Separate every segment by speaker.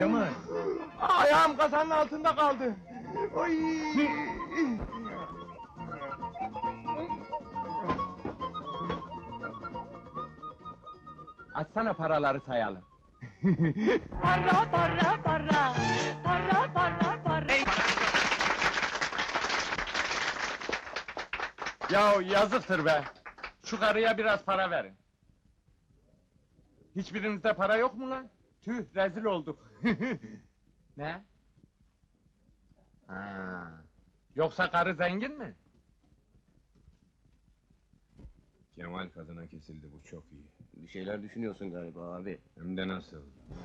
Speaker 1: Kemal,
Speaker 2: Ayağım kasanın altında kaldı.
Speaker 1: oy!
Speaker 2: Açsana paraları sayalım.
Speaker 3: Para para para, para para para.
Speaker 2: Ya yazıktır be! Şu karıya biraz para verin. Hiçbirinizde para yok mu lan? Tüh, rezil olduk. Ne? Ha. Yoksa karı zengin mi?
Speaker 4: Kemal kadına kesildi, bu çok iyi.
Speaker 5: Bir şeyler düşünüyorsun galiba abi.
Speaker 4: Hem de nasıl?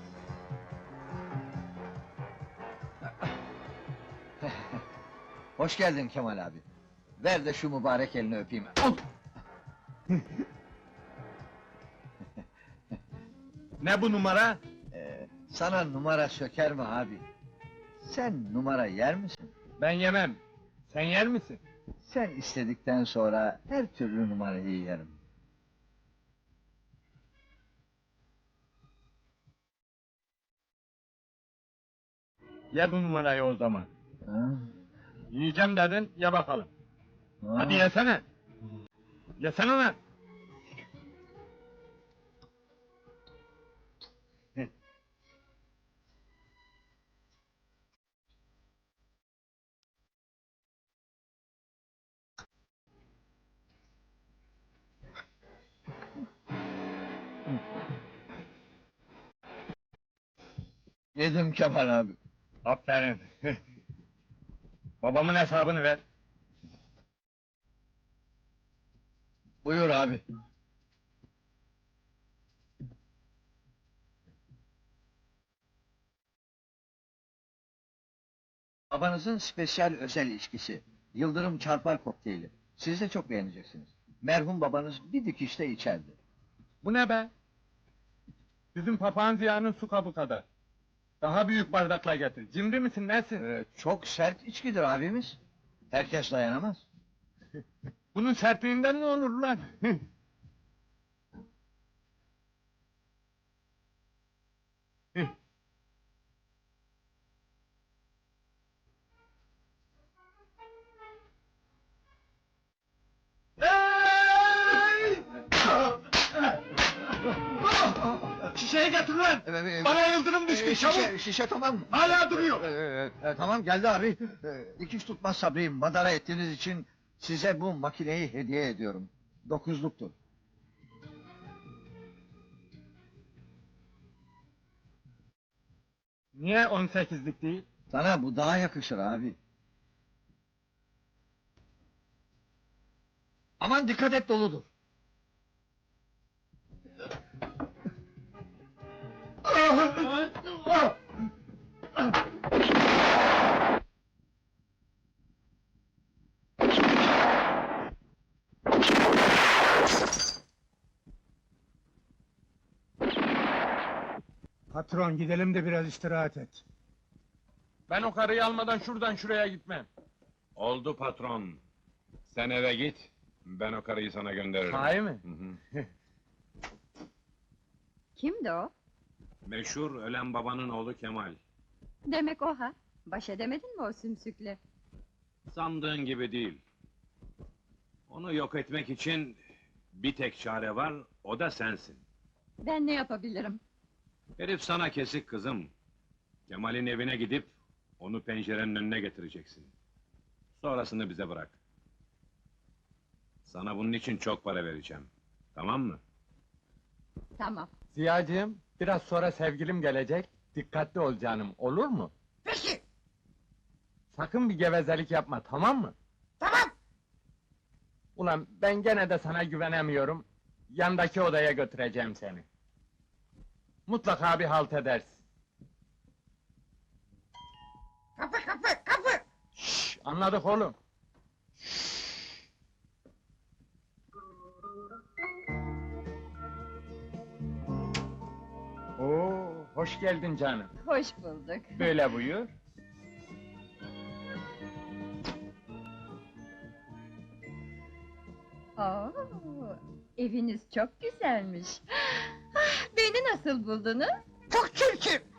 Speaker 1: Hoş geldin Kemal abi. Ver de şu mübarek elini öpeyim.
Speaker 2: Ne bu numara?
Speaker 1: Sana numara söker mi abi? Sen numara yer misin?
Speaker 2: Ben yemem. Sen yer misin?
Speaker 1: Sen istedikten sonra her türlü numarayı yerim.
Speaker 2: Ye bu numarayı o zaman.
Speaker 1: Ha?
Speaker 2: Yiyeceğim dedin, ye bakalım.
Speaker 1: Ha?
Speaker 2: Hadi yesene. Yesene lan.
Speaker 1: Yedim Kemal abi.
Speaker 2: Aferin. Babamın hesabını ver.
Speaker 1: Buyur abi. Babanızın spesyal özel içkisi. Yıldırım çarpar kokteyli. Siz de çok beğeneceksiniz. Merhum babanız bir dikişte içerdi.
Speaker 2: Bu ne be? Bizim papağan Ziya'nın su kabı kadar. Daha büyük bardakla getir. Cimri misin, nesin?
Speaker 1: Çok sert içkidir abimiz. Herkes dayanamaz.
Speaker 2: Bunun sertliğinden ne olur lan? Şişeyi getir lan! Bana yıldırım düştü, çabuk!
Speaker 1: Şişe tamam.
Speaker 2: Hala duruyor!
Speaker 1: Tamam geldi abi. Dikiş tutmaz Sabri'yi madara ettiğiniz için size bu makineyi hediye ediyorum. 9'luktur.
Speaker 2: Niye 18'lik değil?
Speaker 1: Sana bu daha yakışır abi. Aman dikkat et doludur.
Speaker 6: Patron gidelim de biraz istirahat et.
Speaker 2: Ben o karıyı almadan şuradan şuraya gitmem.
Speaker 4: Oldu patron. Sen eve git, ben o karıyı sana gönderirim.
Speaker 2: Sahi mi?
Speaker 4: Hı hı.
Speaker 3: Kimdi o?
Speaker 4: Meşhur ölen babanın oğlu Kemal.
Speaker 3: Demek o ha? Baş edemedin mi o sümsükle?
Speaker 4: Sandığın gibi değil. Onu yok etmek için bir tek çare var, o da sensin.
Speaker 3: Ben ne yapabilirim?
Speaker 4: Herif sana kesik kızım. Kemal'in evine gidip onu pencerenin önüne getireceksin. Sonrasını bize bırak. Sana bunun için çok para vereceğim. Tamam mı?
Speaker 3: Tamam.
Speaker 2: Ziyacığım, biraz sonra sevgilim gelecek. Dikkatli ol canım, olur mu?
Speaker 1: Peki.
Speaker 2: Sakın bir gevezelik yapma, tamam mı?
Speaker 1: Tamam.
Speaker 2: Ulan ben gene de sana güvenemiyorum. Yandaki odaya götüreceğim seni. Mutlaka bir halt edersin.
Speaker 1: Kapı.
Speaker 2: Şşş, anladık oğlum. Oo, hoş geldin canım.
Speaker 3: Hoş bulduk.
Speaker 2: Böyle buyur.
Speaker 3: Oo, eviniz çok güzelmiş. Ah, beni nasıl buldunuz?
Speaker 1: Çok çirkin.